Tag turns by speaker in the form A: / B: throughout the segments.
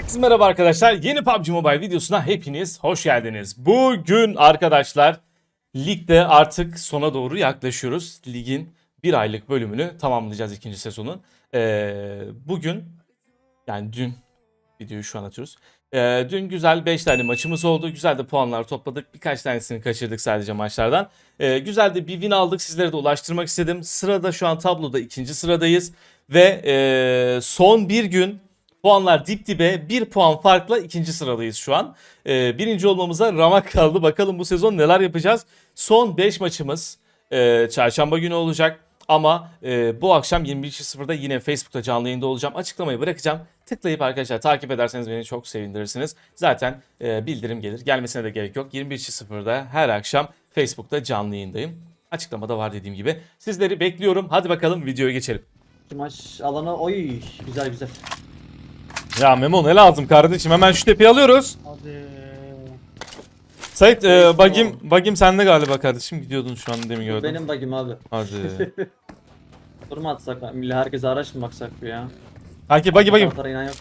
A: Herkese merhaba arkadaşlar. Yeni PUBG Mobile videosuna hepiniz hoş geldiniz. Bugün arkadaşlar ligde artık sona doğru yaklaşıyoruz. Ligin bir aylık bölümünü tamamlayacağız ikinci sezonun. Bugün yani dün videoyu şu an atıyoruz. Dün güzel 5 tane maçımız oldu. Güzel de puanlar topladık. Birkaç tanesini kaçırdık sadece maçlardan. Güzel de bir win aldık. Sizlere de ulaştırmak istedim. Sırada şu an tabloda ikinci sıradayız. Ve son bir gün puanlar dip dibe, bir puan farkla ikinci sıradayız şu an. Birinci olmamıza ramak kaldı. Bakalım bu sezon neler yapacağız. Son 5 maçımız çarşamba günü olacak. Ama bu akşam 21.00'da yine Facebook'ta canlı yayında olacağım. Açıklamayı bırakacağım. Tıklayıp arkadaşlar takip ederseniz beni çok sevindirirsiniz. Zaten bildirim gelir. Gelmesine de gerek yok. 21.00'da her akşam Facebook'ta canlı yayındayım. Açıklamada var dediğim gibi. Sizleri bekliyorum. Hadi bakalım videoya geçelim.
B: Maç alanı oy güzel güzel.
A: Ya Memo ne lazım kardeşim? Hemen şu tepeyi alıyoruz.
C: Hadi.
A: Sait bagim sende galiba kardeşim. Gidiyordun şu an demin gördüm.
B: Benim bug'im abi.
A: Hadi.
B: Durma atsak milli herkese araç mı baksak bu ya?
A: Kanki bagim.
B: Taraflara inan yok.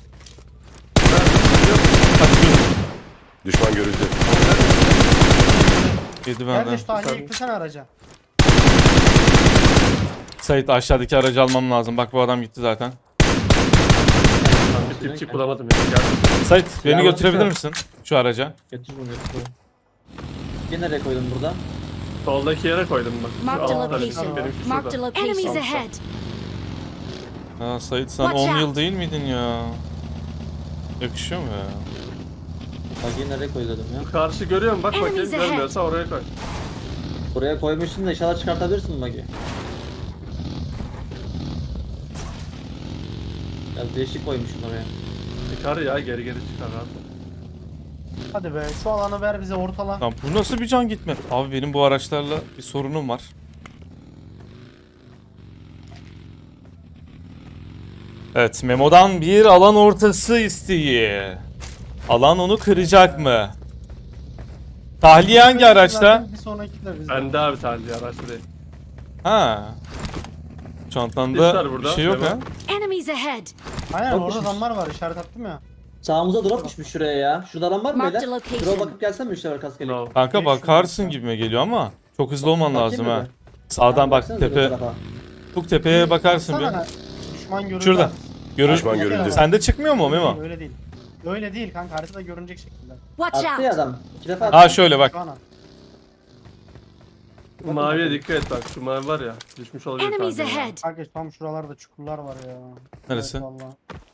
D: Düşman görüldü.
A: Yedi
C: Gel
A: benden.
C: de şu tane yıktırsana araca.
A: Sait aşağıdaki aracı almam lazım. Bak bu adam gitti zaten.
E: Bir tipçik bulamadım ya. Geldim.
A: Sait beni
B: Ya,
A: götürebilir
B: bakın.
A: misin şu araca?
B: Götür bunu götür. Yine nereye koydum burada?
E: Soldaki yere koydum bak. Şu
F: Marked a
E: altta
F: location.
E: benimki
F: Marked a
E: şurada.
F: location. Enemies
E: Tamam.
F: ahead.
A: Ha Sait sen
F: Watch
A: 10
F: out.
A: yıl değil miydin ya? Yakışıyor mu ya?
B: Bug'i nereye koydum ya?
E: Karşı görüyorum bak bakayım
F: Enemies ahead.
E: görmüyorsa oraya koy.
B: Buraya koymuşsun da inşallah çıkartabilirsin bug'i. Biraz değişik koymuşsun oraya.
E: Çıkar ya geri çıkar rahat.
C: Hadi be şu alanı ver bize ortala.
A: Lan bu nasıl bir can gitme? Abi benim bu araçlarla bir sorunum var. Evet Memo'dan bir alan ortası isteği. Alan onu kıracak mı? Tahliye hangi araçta?
C: Bir sonraki de bizde.
E: Bende abi tercih araçta değil.
A: Ha. Çantanda
E: Bizler burada,
A: bir şey yok
E: Memo.
A: ha.
F: Enemies ahead.
C: Aynen
B: Çok
C: orada
B: düşmüş.
C: adamlar var işaret attım ya.
B: Sağımıza drop düşmüş şuraya ya. Şurada adam var mı
F: Marked
B: beyler?
F: location.
B: Drop'a bakıp gelsen mi üçler arkası gelip?
E: No.
A: Kanka
C: 500
A: bakarsın
C: metre.
A: gibime geliyor ama çok hızlı olman
B: Bakayım
A: lazım
B: mı
A: ha.
B: bir?
A: Sağdan
B: Tamam,
A: bak
B: baksanıza bu
A: tepe.
B: tarafa.
A: Bu tepeye bakarsın bir.
C: Baksana, düşman görüldü.
A: Şurada. Görün.
D: Düşman görüldü.
A: Sende çıkmıyor mu Memo?
C: Öyle değil. Öyle değil kanka haritada görünecek şekilde.
F: Watch
B: Attı ya
F: out.
B: adam. 2 defa attı.
A: Ha şöyle bak.
C: Şu an at.
E: Maviye dikkat et bak şu mavi var ya düşmüş olabilir
F: Enemies
E: tercih ya.
F: ahead.
C: Kanka tam şuralarda çukurlar var ya.
A: Neresi?
C: Evet, vallahi.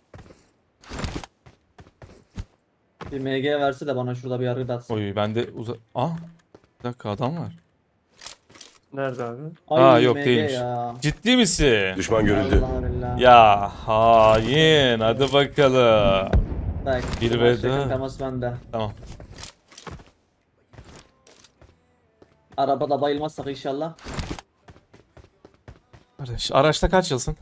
B: Bir MG verse de bana şurada bir yargı da atsın.
A: Oy bende bir dakika adam var.
E: Nerede abi?
A: Ha, yok,
B: MG
A: değilmiş.
B: ya.
A: Ciddi misin?
D: Düşman görüldü.
B: Allah billah.
A: Ya hain hadi bakalım.
B: Bak.
A: Bir
B: bu
A: ve
B: maçta
A: dört.
B: temas bende.
A: Tamam.
B: Arabada bayılmazsak inşallah.
A: Kardeş araçta kaç yılsın?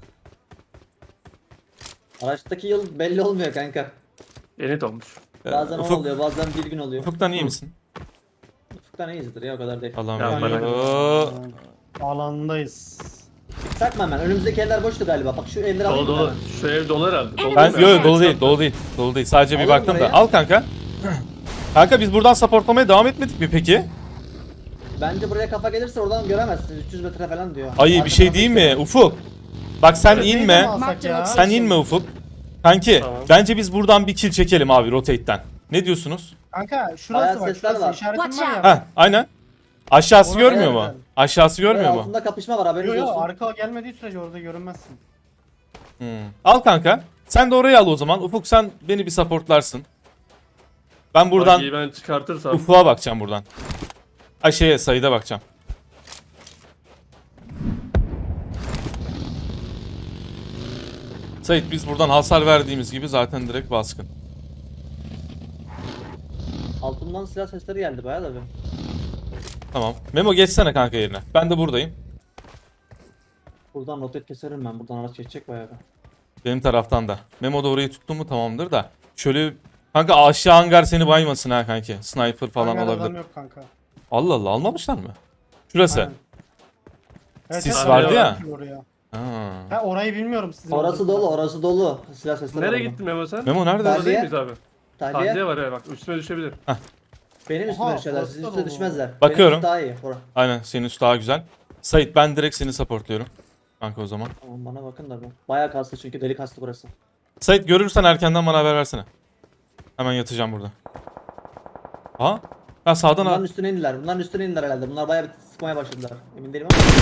B: Araçtaki yıl belli olmuyor kanka.
E: Yeni dolmuş.
B: Bazen 10
A: Ufuk,
B: oluyor, bazen bir gün oluyor.
A: Ufuk'tan iyi misin?
B: Ufuk'tan iyizdir ya, o kadar değil.
A: Allah'ım
E: Ya,
A: veriyor.
C: Alandayız.
B: Sakma hemen, önümüzdeki eller boştu galiba. Bak şu elleri
E: Dolu
B: alayım mı
E: dolu.
B: hemen?
E: Şu ev dolu herhalde. Dolu
A: Ben
E: değil mi?
A: yok dolu değil dolu değil. Dolu değil. Sadece bir
B: Alalım
A: baktım da.
B: burayı.
A: Al kanka. Kanka biz buradan supportlamaya devam etmedik mi peki?
B: Bence buraya kafa gelirse oradan göremezsin. 300 metre falan diyor.
A: Ay bir
B: Arka
A: şey
B: tarafı
A: değil
B: işte.
A: mi Ufuk? Bak sen
E: Evet.
A: inme.
C: Alsak
F: Marked
C: ya.
F: location.
A: Sen inme Ufuk. Kanki
E: Tamam.
A: bence biz buradan bir kill çekelim abi rotate'den. Ne diyorsunuz?
C: Kanka şurası
B: Bayağı
C: bak
B: sesler
C: şurası
B: var.
C: işaretim
F: Watch
C: var
F: out.
C: ya.
A: Heh aynen. Aşağısı
C: Orası
A: görmüyor mu?
B: evet.
A: Aşağısı görmüyor
B: Böyle
A: mu?
B: altında kapışma var, haberiniz
C: Yok yok
B: olsun.
C: arka gelmediği sürece orada görünmezsin.
A: Al kanka. Sen de orayı al o zaman. Ufuk sen beni bir supportlarsın. Ben buradan
E: Bagiyi ben çıkartırsam.
A: Ufuk'a bakacağım buradan. Ay şeye sayıda bakacağım. Sait biz buradan hasar verdiğimiz gibi zaten direkt baskın.
B: Altından silah sesleri geldi bayağı da bir.
A: Tamam. Memo geçsene kanka yerine. Ben de buradayım.
B: Buradan rotet keserim ben. Buradan araç geçecek bayağı bir.
A: Benim taraftan da. Memo da orayı tuttu mu tamamdır da. Şöyle kanka aşağı hangar seni baymasın ha kanki. Sniper falan
C: Hangar adam
A: olabilir.
C: yok kanka.
A: Allah Allah almamışlar mı? Şurası.
C: Aynen. Evet,
A: Sis
C: evet,
A: vardı
C: evet,
A: ya.
C: oraya. Ha orayı bilmiyorum sizin.
B: Orası dolu, orası dolu. Silah sesleri var
E: Nereye
B: orada.
E: gittin Memo sen?
A: Memo nerede?
B: Ben-
E: Orada değil miyiz abi?
B: Tahliye.
E: Tahliye var ya bak üstüme düşebilir.
B: Benim üstüme
C: Oha,
B: düşerler,
C: orası
B: sizin
C: da
B: üstüne
C: dolu.
B: düşmezler.
A: Bakıyorum.
B: Benim üstü daha iyi. Bora.
A: Aynen senin üst daha güzel. Sait ben direkt seni supportluyorum. Kanka o zaman.
B: Tamam bana bakın da bu. Bayağı kastı çünkü delik kastı burası.
A: Sait görürsen erkenden bana haber versene. Hemen yatacağım burada. Aha. Ha sağdan
B: Bunların
A: al.
B: üstüne indiler. Bunların üstüne indiler herhalde. Bunlar bayağı bir sıkmaya başladılar. Emin değilim ama.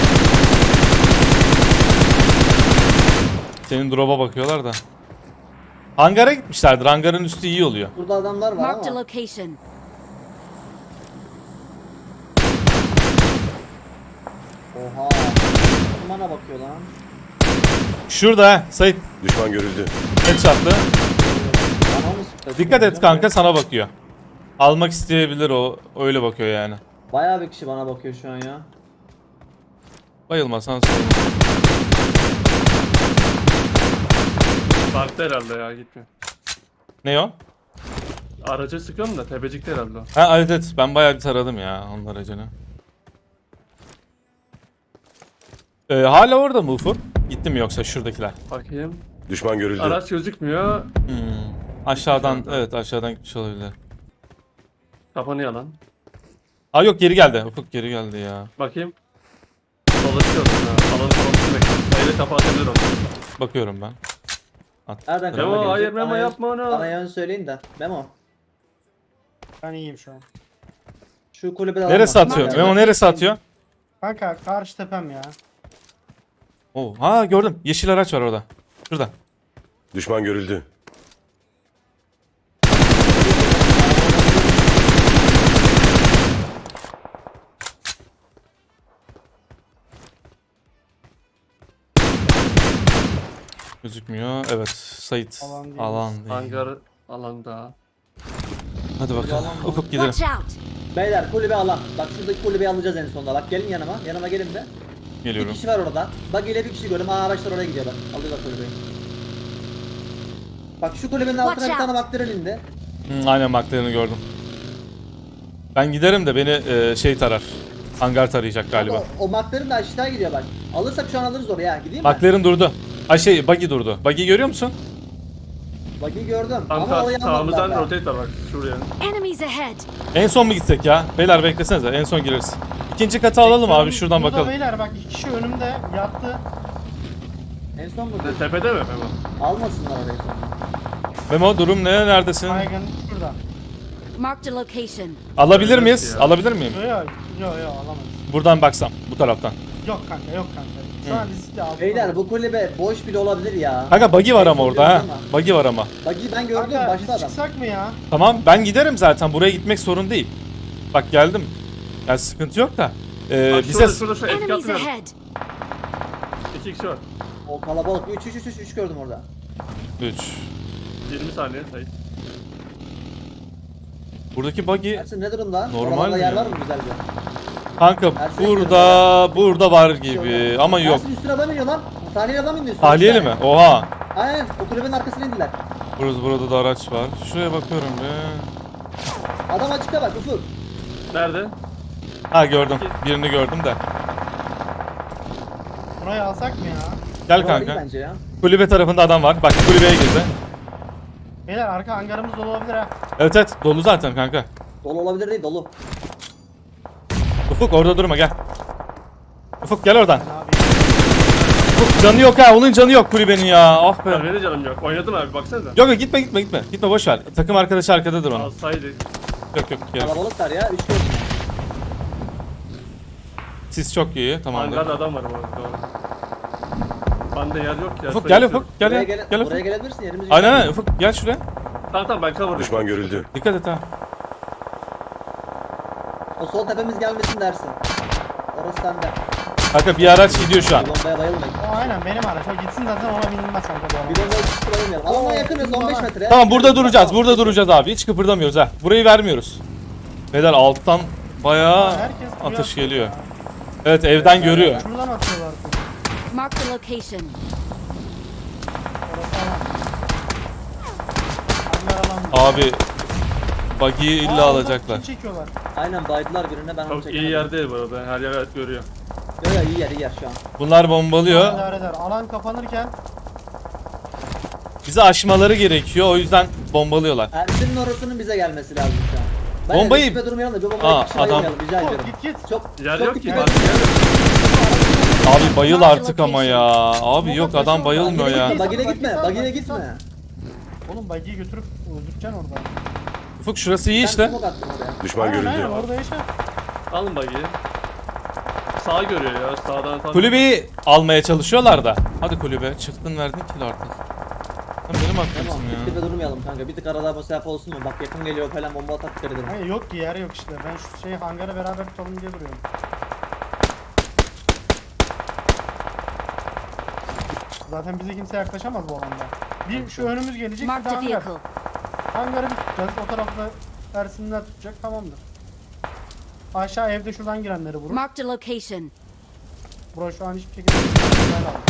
A: Senin drop'a bakıyorlar da. Hangara gitmişlerdir. Hangarın üstü iyi oluyor.
B: Burada adamlar var
F: Marked a
B: ama.
F: location.
B: Oha. Kim bana bakıyor lan?
A: Şurada ha. Sait
D: Düşman görüldü.
A: headshot'lı.
B: Bana mı sıktı?
A: Dikkat et kanka sana bakıyor. Almak isteyebilir o. Öyle bakıyor yani.
B: Bayağı bir kişi bana bakıyor şu an ya.
A: Bayılmasan sorun.
E: Baktı herhalde ya gitmiyor.
A: Ne o?
E: Aracı sıkıyorum da tepecikte herhalde o.
A: Ha evet evet. Ben bayağı bir taradım ya onun aracını. Hala orada mı Ufuk? Gitti mi yoksa şuradakiler?
E: Bakayım.
D: Düşman görüldü.
E: Araç gözükmüyor.
A: Aşağıdan evet aşağıdan gitmiş olabilir.
E: Kapanıyor lan.
A: Aa yok geri geldi. Ufuk geri geldi ya.
E: Bakayım. Dolaşıyorum ya. Alanı falan bekliyorum. Sayıda kafa atabilir onu.
A: Bakıyorum ben. At.
B: Nereden
E: Memo,
B: kafa
E: hayır,
B: gelecek?
E: Memo,
B: Bana yön-
E: yapma onu.
B: Bana yön söyleyin de. Memo.
C: Ben iyiyim şu an.
B: Şu kulübede
A: Neresi
B: adam var.
A: atıyor? Memo neresi atıyor?
C: Kanka karşı tepem ya.
A: Oo, ha gördüm. Yeşil araç var orada. Şurada.
D: Düşman görüldü.
A: Gözükmüyor. Evet. Sait.
C: Alan değil.
A: Alan değil.
E: Hangar alanda.
A: Hadi bakalım.
B: Yalan.
A: Ufuk gidelim.
F: Watch out!
B: Beyler kulübe alan. Bak şuradaki kulübeyi alacağız en sonunda. Bak gelin yanıma. Yanıma gelin de. Bir
A: Geliyorum.
B: kişi var orada. Bak ile bir kişi gördüm. Aa araçlar oraya gidiyorlar. Alıyorlar kulübeyi. Bak şu kulübenin altına
F: Watch
B: bir tane
F: out.
B: baktırın indi.
A: Aynen baklarını gördüm. Ben giderim de beni şey tarar. Hangar tarayacak galiba.
B: O maktarın da aşağı gidiyor bak. Alırsak şu an alırız oraya. Gideyim mi?
A: Bakların durdu. Ay şey buggy durdu. Buggy görüyor musun?
B: Bug'i gördüm. Ama
E: Kanka
B: orayı
E: sağımızdan
B: almadılar.
E: rotate var bak şuraya.
F: Enemies ahead!
A: En son mu gitsek ya? Beyler beklesenize. En son gireriz. İkinci katı alalım abi şuradan
C: Burada
A: bakalım.
C: beyler bak iki kişi önümde yattı.
B: En son mu?
E: Tepede mi Memo?
B: Almasınlar orayı sonra.
A: Memo durum ne? Neredesin?
C: Baygın şurada.
F: Marked a location.
A: Alabilir miyiz?
E: Evet ya.
A: Alabilir miyim?
C: Yok alamayız.
A: Buradan baksam bu taraftan.
C: Yok kanka yok kanka. Şu an riskli aldım.
B: Beyler bu kulübe boş bile olabilir ya.
A: Kanka buggy var
B: En
A: ama
B: son
A: orada ha.
B: gördüm ama.
A: Buggy var ama.
B: Bug'i ben gördüm
C: Kanka
B: başta
C: biz
B: adam.
C: çıksak mı ya?
A: Tamam ben giderim zaten. Buraya gitmek sorun değil. Bak geldim. Yani sıkıntı yok da.
E: Bak
A: Bize...
E: şurada şu etki
F: Enemies
E: atmıyorum.
F: ahead!
E: 2 kişi var.
B: O kalabalık 3 gördüm orada.
A: 3.
E: 20 saniye sayı.
A: Buradaki buggy...
B: Ersin ne durumda?
A: Normal
B: Oralarda
A: mi
B: yer
A: ya?
B: var mı güzelce?
A: Kanka
B: Ersin
A: burada var gibi ama yok.
B: Ersin üstüne adam iniyor lan. Tahliyeli adam indi üstüne.
A: Tahliyeli mi? Oha.
B: Aynen o kulübenin arkasına indiler.
A: Burada da araç var. Şuraya bakıyorum be.
B: Adam açıkta bak Ufuk.
E: Nerede?
A: Ha gördüm. Birini gördüm de.
C: Burayı alsak mı ya?
A: Gel
B: Buralar iyi
A: kanka.
B: bence ya.
A: Kulübe tarafında adam var. Bak kulübeye girdi.
C: Beyler arka hangarımız dolu olabilir ha.
A: Evet evet dolu zaten kanka.
B: Dolu olabilir değil dolu.
A: Ufuk orada durma gel. Ufuk gel oradan.
C: Ne yapayım?
A: Ufuk canı yok ha. Onun canı yok kulübenin ya. Ah be.
E: Benim de canım yok. Oynadın abi baksanıza.
A: Yok yok gitme. Gitme boş ver. Takım arkadaşı arkadadır onun.
E: Alsaydı.
A: Yok gel.
B: Kalabalıklar ya 3 gördüm.
A: Siz çok iyi. Tamamdır.
E: Hangarda adam var bu arada. Doğru. Bende yer yok ya.
A: Ufuk
E: sayı
A: gel
E: atıyorum.
A: Ufuk. Gel
B: Buraya,
A: gel. Gel
B: buraya
A: Ufuk.
B: gelebilirsin yerimiz yok.
A: Aynen Ufuk gel şuraya.
E: Tamam ben cover'dayım.
D: Düşman görüldü.
A: Dikkat et ha.
B: O sol tepemiz gelmesin dersin. Orası sende.
A: Kanka bir araç gidiyor şu an.
B: Bir bombaya bayılmayın.
C: O aynen benim araç. O gitsin zaten ona binilmez kanka bu araba.
B: Bir bombaya tutuşturalım. Alana yakınız 15 metre.
A: Tamam burada duracağız abi. Hiç kıpırdamıyoruz ha. Burayı vermiyoruz. Beyler alttan bayağı
C: Herkes buraya
A: atış
C: atıyor
A: geliyor.
C: ya.
A: Evet evden görüyor.
C: Şuradan atıyorlar.
F: Marked a location.
C: Orası alan. Hangar alan.
A: Abi buggy'yi illa
C: Aa,
A: alacaklar.
C: kim çekiyorlar.
B: Aynen baydılar birine ben onu
E: Çok
B: çekemedim.
E: iyi yer değil bu arada. Her yer evet görüyor.
B: Yok yok iyi yer şu an.
A: Bunlar bombalıyor.
C: İdare eder. Alan kapanırken
A: Bizi aşmaları gerekiyor. O yüzden bombalıyorlar.
B: Ersin'in orasının bize gelmesi lazım şu an. Ben
A: Bombayı-
B: Bombayı... durmayalım da bir bombayı
A: Aa,
B: bir kişi
A: adam-
B: bayılmayalım rica ediyorum.
C: git.
B: Çok
E: Yer
B: çok
E: yok ki.
B: dikkat
E: Bak,
B: edin.
E: yer yok.
A: Abi bayıl artık ama ya. Abi yok adam bayılmıyor ya.
B: Bagine gitme, bagine gitme.
C: Oğlum bagiyi götürüp öldüreceksin orada.
A: Ufuk şurası iyi
B: Ben
A: işte.
B: smoke attım oraya.
D: Düşman
C: Aynen
D: görüldü.
C: orada yaşa.
E: Alın bagiyi. Sağ görüyor ya. Sağdan tam.
A: Kulübeyi almaya çalışıyorlar da. Hadi kulübe. Çıktın verdin kill artık. Sen benim
B: Tamam,
A: hakkımsın ya.
B: dip dibe durmayalım kanka. Bir tık arada mesafe olsun mu? Bak yakın geliyor falan bomba atak dikkat edelim.
C: Hayır yok ki yer yok işte. Ben şu şey hangarı beraber tutalım diye duruyorum. Zaten bize kimse yaklaşamaz bu alanda. Bir şu önümüz gelecek bir de
F: Marked a
C: hangar.
F: vehicle.
C: Hangarı bir tutacağız. O tarafta Ersinler tutacak. Tamamdır. Aşağı evde şuradan girenleri vurur.
F: Marked a location.
C: Bura şu an hiçbir şekilde güzel aldı.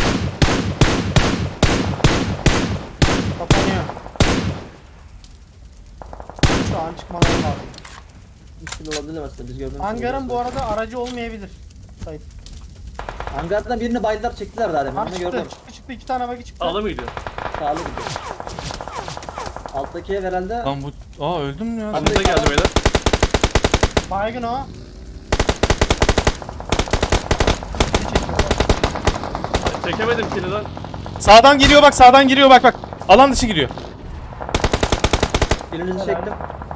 C: Kapanıyor. Şu an çıkmaları lazım.
B: Müşkül olabilir aslında biz gördüğümüz
C: Hangarın
B: gibi.
C: bu arada aracı olmayabilir. Sayın.
B: Hangardan birini baydılar çektiler daha demin.
C: Var
B: Onu
C: çıktı,
B: gördüm.
C: çıktı. İki tane bagi çıktı.
E: Sağlı mı gidiyor?
B: Sağlı gidiyor. Alttaki ev herhalde.
A: Lan bu... Aa öldün mü ya?
E: Önünüze geldi beyler.
C: Baygın o.
E: Çekemedim kili lan.
A: Sağdan giriyor bak sağdan giriyor bak bak. Alan dışı giriyor.
B: Birinizi çektim.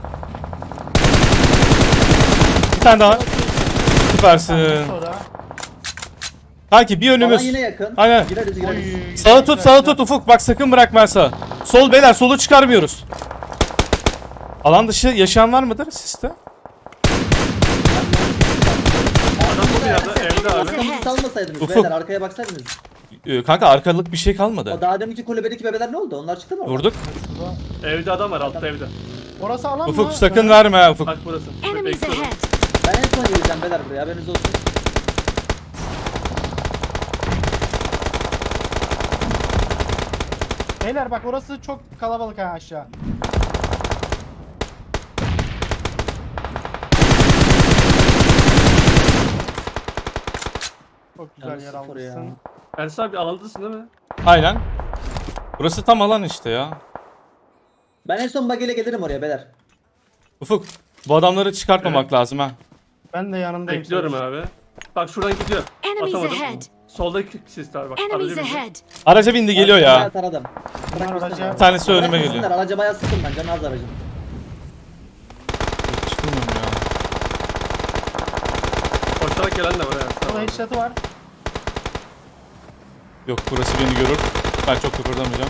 A: Bir tane daha. Süpersin.
C: Sonra.
A: Kanki bir
B: Alan
A: önümüz.
B: yine yakın.
A: Aynen.
B: Gireriz gireriz.
C: Oy.
A: Sağı tut Ufuk bak sakın bırakma sağı. Sol beyler solu çıkarmıyoruz. Alan dışı yaşayan var mıdır sizde?
E: Adam bu yerde evde abi.
B: Arkamızı salmasaydınız
A: Ufuk.
B: beyler arkaya baksaydınız.
A: Kanka arkalık bir şey kalmadı.
B: O daha deminki kulübedeki bebeler ne oldu? Onlar çıktı mı? oradan?
A: Vurduk.
C: Şurada.
E: Evde adam var altta evde.
C: Orası alan mı?
A: Ufuk sakın verme ha Ufuk.
E: Bak burası.
F: Enemies
E: Bekliyorum.
F: ahead.
B: Ben en son geleceğim beyler buraya haberiniz olsun.
C: Beyler bak orası çok kalabalık ha aşağı. Çok güzel
B: Yalnız
C: yer
B: sıfır ya.
C: almışsın.
E: Ersin abi alandasın değil mi?
A: Aynen. Burası tam alan işte ya.
B: Ben en son bageyle gelirim oraya beyler.
A: Ufuk bu adamları çıkartmamak lazım ha.
C: Ben de yanındayım.
E: Bekliyorum abi. Bak şuradan gidiyor.
F: Enemies
E: Atamadım.
F: ahead.
E: Soldaki sistler bak.
F: Enemies
E: Aracı bizi.
F: ahead.
A: Araca bindi geliyor
B: Bayağı
A: ya.
B: taradım.
C: Bunlar
B: Bırakmışsınlar.
C: araca-
A: Bir tanesi önüme
B: Bırakmışsınlar,
A: geliyor.
B: Araca bayağı sıktım ben canı az aracın.
A: Çıkılmıyorum ya.
E: Koşarak gelen de var Ersin
C: Burada
E: abi.
C: headshot'ı var.
A: Yok burası beni görür. Ben çok kıpırdamayacağım.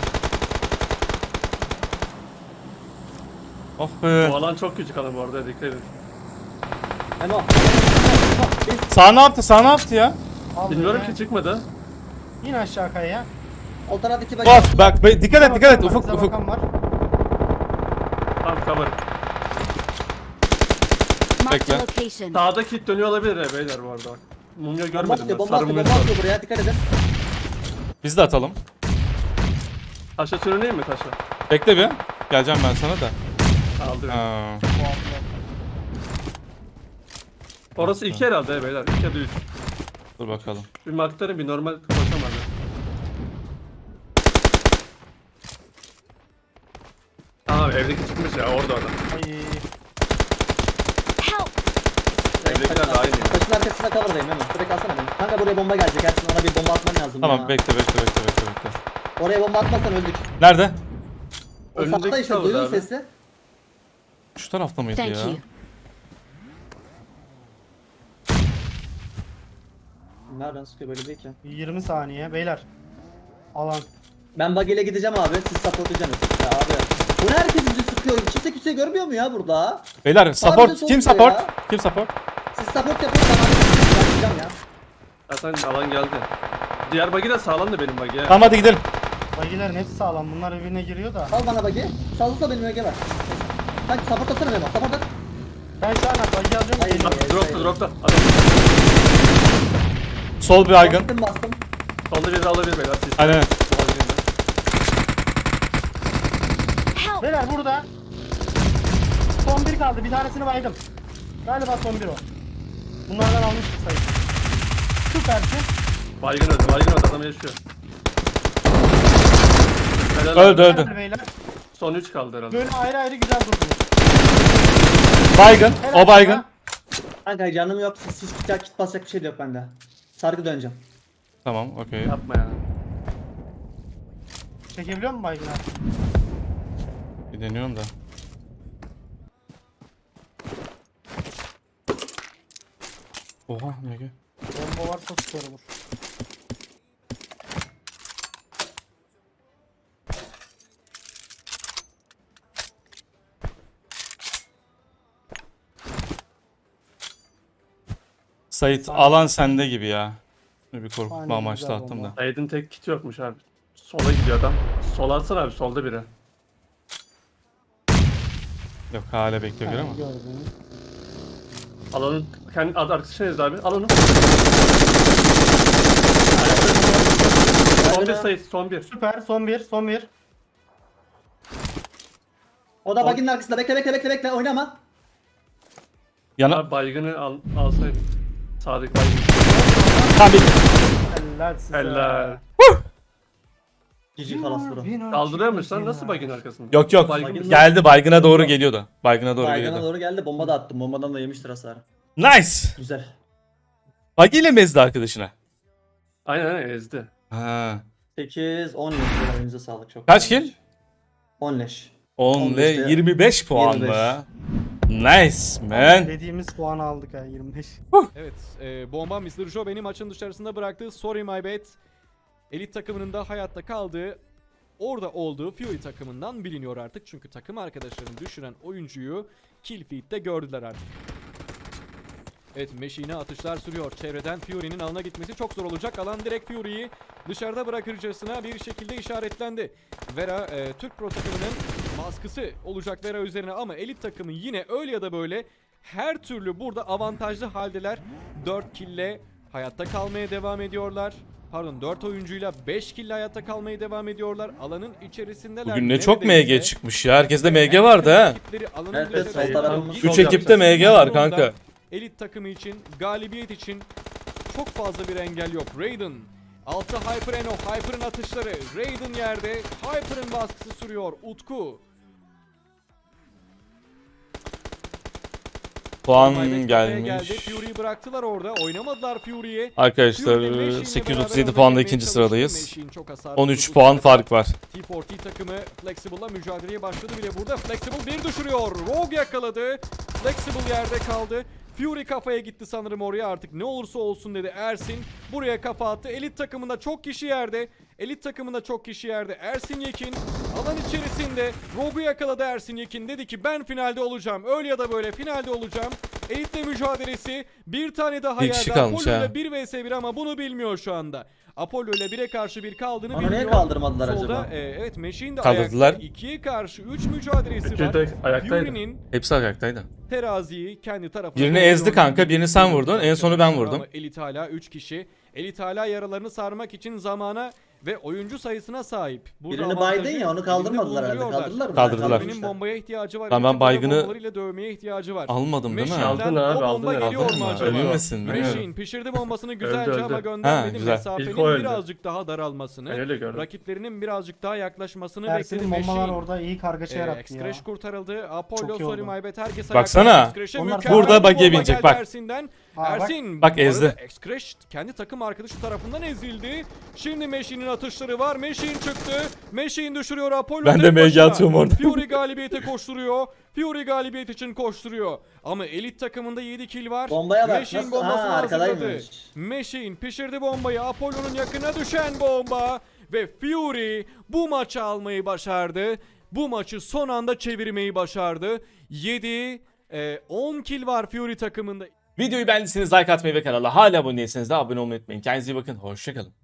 A: Oh be.
E: Bu alan çok küçük alan bu arada dikkat edin.
B: Memo.
A: Sağ ne yaptı? Sağ ne yaptı ya?
C: Al
E: Bilmiyorum
C: böyle.
E: ki çıkmadı.
C: İn aşağı kayaya.
B: O taraftaki bagi.
A: Bak dikkat et dikkat et
C: Bize
A: Ufuk Ufuk.
C: bakan var.
E: Tamam cover.
F: Marked
A: Bekle.
F: a location.
E: Sağda kit dönüyor olabilir he beyler bu arada bak. Mumya
B: Bomba
E: görmedim
B: atıyor,
E: ben.
B: bomba
E: Sarı
B: atıyor,
E: mumya
B: bomba
E: var.
B: atıyor buraya dikkat edin.
A: Biz de atalım.
E: Taşa sürüneyim mi taşa?
A: Bekle bir. Geleceğim ben sana da.
E: Aldı beni.
A: Ha.
E: Orası iki herhalde he beyler. İki ya da üç.
A: Dur bakalım.
E: Bir maktarım bir normal koşamadı. Tamam evdeki çıkmış ya orada adam.
C: Ay.
F: Help.
E: Evdekiler de aynı ya.
B: Taşın arkasında cover'dayım Memo. Direkt alsana beni. Kanka buraya bomba gelecek. Ersin ona bir bomba atman lazım
A: Tamam
B: ya.
A: bekle.
B: Oraya bomba atmazsan öldük.
A: Nerede?
B: O
E: Önündeki
B: sağda işte
E: cover
B: duyuyor
E: abi.
B: sesi.
A: Şu tarafta mıydı
F: Thank
A: ya?
F: you.
B: Nereden sıkıyor böyle değil ki?
C: 20 saniye beyler. Alan.
B: Ben bagiyle gideceğim abi. Siz supportacaksınız. Ya abi. Bu ne herkes bizi sıkıyor? Kimse görmüyor mu ya burada?
A: Beyler support.
B: Harbiden
A: Kim
B: soğuk ya.
A: support? Kim support?
B: Siz support yapın ben gideceğim ya.
E: Zaten alan geldi. Diğer bagi de sağlam da benim bagi ya.
A: Tamam hadi gidelim.
C: Bagilerin hepsi sağlam. Bunlar birbirine giriyor da.
B: Al bana bagi. Sağlıkla benim öge var. Sen support atsana Memo. Support at.
C: Ben şu an bagi alıyorum.
B: Hayır,
C: geliyorum.
B: hayır.
E: Dropta. Adam.
A: Sol bir aygın.
B: Bastım.
E: Solda biri de alabilir beyler. Siz.
A: Aynen.
F: Help.
C: Beyler burada. Son bir kaldı. Bir tanesini baydım. Galiba son bir o. Bunlardan almıştık sayı. Süpersin.
E: Baygın öldü. Baygın öldü. Adam yaşıyor. Helal
A: Öldü
E: abi.
A: öldü.
C: Hadi beyler.
E: Son 3 kaldı herhalde.
C: Böyle ayrı ayrı güzel durdunuz.
A: Baygın.
C: Helal
A: O baygın.
C: sana.
B: Kanka canım yok. Siz kit basacak bir şey de yok bende. Sargı döneceğim.
A: Tamam okey.
E: Yapma ya.
C: Çekebiliyor musun baygın abi?
A: Bir deniyorum da. Oha ne ki?
C: Bomba varsa süper olur.
A: Sait alan sende gibi ya. Bir korkutma
C: Aynen,
A: amaçlı
C: güzel
A: attım
C: bomba.
A: da.
E: Said'in tek kiti yokmuş abi. Sola gidiyor adam. Sola atsana abi. Solda biri.
A: Yok hala bekliyor
C: Yani
A: ama.
C: gördüğünüz.
E: Alanın kendi arkadaşı nezdi abi. Al onu. Son bir Said. Son bir.
C: Süper. Son bir. Son bir.
B: O da baginin arkasında. Bekle. Oynama.
A: Yana
E: Abi baygını alsaydın. Sağdaki baygın.
A: tam bir
C: Helal size.
E: Helal.
B: Cici falas bro.
E: Kaldırıyor musun lan? Nasıl baygın arkasında?
A: yok yok.
E: Baygın-
A: Geldi baygına doğru geliyordu. Baygına doğru
B: Baygına
A: geliyordu.
B: doğru geldi. Bomba da attım. Bombadan da yemiştir hasarı.
A: Nice.
B: Güzel.
A: Bagi ile mi ezdi arkadaşına?
E: Aynen ezdi.
A: Ha.
B: 8, 10 leş. Elinize sağlık çok.
A: Kaç kill?
B: 10 leş.
A: 10
B: 15
A: ile
B: de
A: 25 puan
B: 25.
A: mı? Nice man.
C: Dediğimiz puanı aldık ha 25.
G: Evet, bomba Mr. Joe beni maçın dışarısında bıraktı. Sorry my bad. Elit takımının da hayatta kaldığı, orada olduğu Fury takımından biliniyor artık. Çünkü takım arkadaşlarını düşüren oyuncuyu kill feed'de gördüler artık. Evet, Machine'e atışlar sürüyor. Çevreden Fury'nin alana gitmesi çok zor olacak. Alan direkt Fury'yi dışarıda bırakırcasına bir şekilde işaretlendi. Vera, Türk Pro takımının baskısı olacak Vera üzerine ama elit takımı yine öyle ya da böyle her türlü burada avantajlı haldeler. 4 kill'le hayatta kalmaya devam ediyorlar. Pardon, 4 oyuncuyla 5 kill'le hayatta kalmaya devam ediyorlar. Alanın içerisindeler.
A: Bugün ne çok
G: Neredeyse
A: MG çıkmış ya. Herkeste MG vardı ha.
G: rakipleri alanın
B: Evet, evet,
G: dışarısında
B: sol tarafımız
G: girip
A: 3 ekipte MG var kanka.
G: Elit takımı için, galibiyet için çok fazla bir engel yok. Raiden, altı Hyper Eno, Hyper'ın atışları, Raiden yerde, Hyper'ın baskısı sürüyor. Utku.
A: Puan
G: Maybet kafaya
A: gelmiş.
G: geldi. Fury'yi bıraktılar orada. Oynamadılar Fury'yi.
A: Arkadaşlar
G: Fury ile Machine'le
A: 837
G: beraber
A: puanla
G: oynamaya
A: ikinci
G: çalıştı.
A: sıradayız.
G: Machine çok hasarlı
A: 13
G: vurdu.
A: puan fark var.
G: T4T takımı Flexible'la mücadeleye başladı bile burada. Flexible bir düşürüyor. Rogue yakaladı. Flexible yerde kaldı. Fury kafaya gitti sanırım oraya, artık ne olursa olsun dedi Ersin. Buraya kafa attı. Elit takımında çok kişi yerde. Elit takımında çok kişi yerde. Ersin Yekin alan içerisinde Rogue'u yakaladı. Ersin Yekin dedi ki ben finalde olacağım. Öyle ya da böyle finalde olacağım. Elit'le mücadelesi, bir tane daha
A: Bir kişi
G: yerde.
A: kalmış
G: Apollo
A: ha.
G: ile 1 vs 1 ama bunu bilmiyor şu anda. Apollo ile 1'e karşı 1 kaldığını
B: Onu
G: bilmiyor.
B: niye kaldırmadılar
G: Solda,
B: acaba?
G: evet, Machine de
A: Kaldırdılar.
G: ayakta. 2'ye karşı 3 mücadelesi
E: Üçü
G: var.
E: de ayaktaydı.
G: Fury'nin
A: Hepsi ayaktaydı.
G: teraziyi kendi tarafına
A: Birini
G: doğru
A: ezdi kanka, birini sen vurdun, en sonu ben vurdum.
G: Ama Elit hala 3 kişi. Elit hala yaralarını sarmak için zamana ve oyuncu sayısına sahip. Burada
B: Birini
G: avantajı
B: baydın ya onu
G: elinde
B: kaldırmadılar herhalde.
G: bulunduruyorlar.
B: Kaldırdılar mı?
A: Kaldırdılar.
G: Fury'nin bombaya ihtiyacı var.
A: Tamam, ben
G: Elit takımda
A: baygını
G: bombalarıyla dövmeye ihtiyacı var.
A: Almadım değil mi?
G: Machine'den
E: Aldın abi,
G: o
E: aldın
G: bomba
E: herhalde.
G: geliyor mu
A: Aldın mı?
G: acaba?
A: Ölmesin, bilmiyorum.
G: Machine pişirdi bombasını güzelce
E: Öldü,
G: ama
E: öldü.
G: göndermedi.
A: Ha, güzel.
G: Mesafenin
E: İlk o öldü.
G: birazcık daha daralmasını,
E: Ben öyle gördüm.
G: rakiplerinin birazcık daha yaklaşmasını bekledi
C: Ersin'in bombalar
G: Machine.
C: orada iyi kargaşa yarattı ya.
G: Excreş kurtarıldı. Apollo,
C: Çok iyi
G: sorry
C: oldu.
G: my bad. Herkes
A: Baksana.
G: ayakta. Excreş'e
C: Onlar
G: mükemmel
A: burada
G: bir
A: bagiye
G: bomba
A: binecek,
G: geldi
A: bak.
G: Ersin'den.
C: Ha, bak.
G: Ersin
A: Bak,
G: bu arada
A: ezdi.
G: Excreş kendi takım arkadaşı tarafından ezildi. Şimdi Machine'in atışları var. Machine çıktı. Machine düşürüyor Apollo.
A: Ben de
G: tek
A: MG
G: başına.
A: atıyorum orada.
G: Fury galibiyete koşturuyor. Fury galibiyet için koşturuyor. Ama elit takımında 7 kill var.
B: Bombaya bak,
G: Machine
B: nasıl-
G: bombasını
B: Ha,
G: hazırladı.
B: arkadaymış.
G: Machine pişirdi bombayı. Apollo'nun yakına düşen bomba. Ve Fury bu maçı almayı başardı. Bu maçı son anda çevirmeyi başardı. 10 kill var Fury takımında.
A: Videoyu beğendiyseniz like atmayı ve kanala hala abone değilseniz de abone olmayı unutmayın. Kendinize iyi bakın. Hoşçakalın.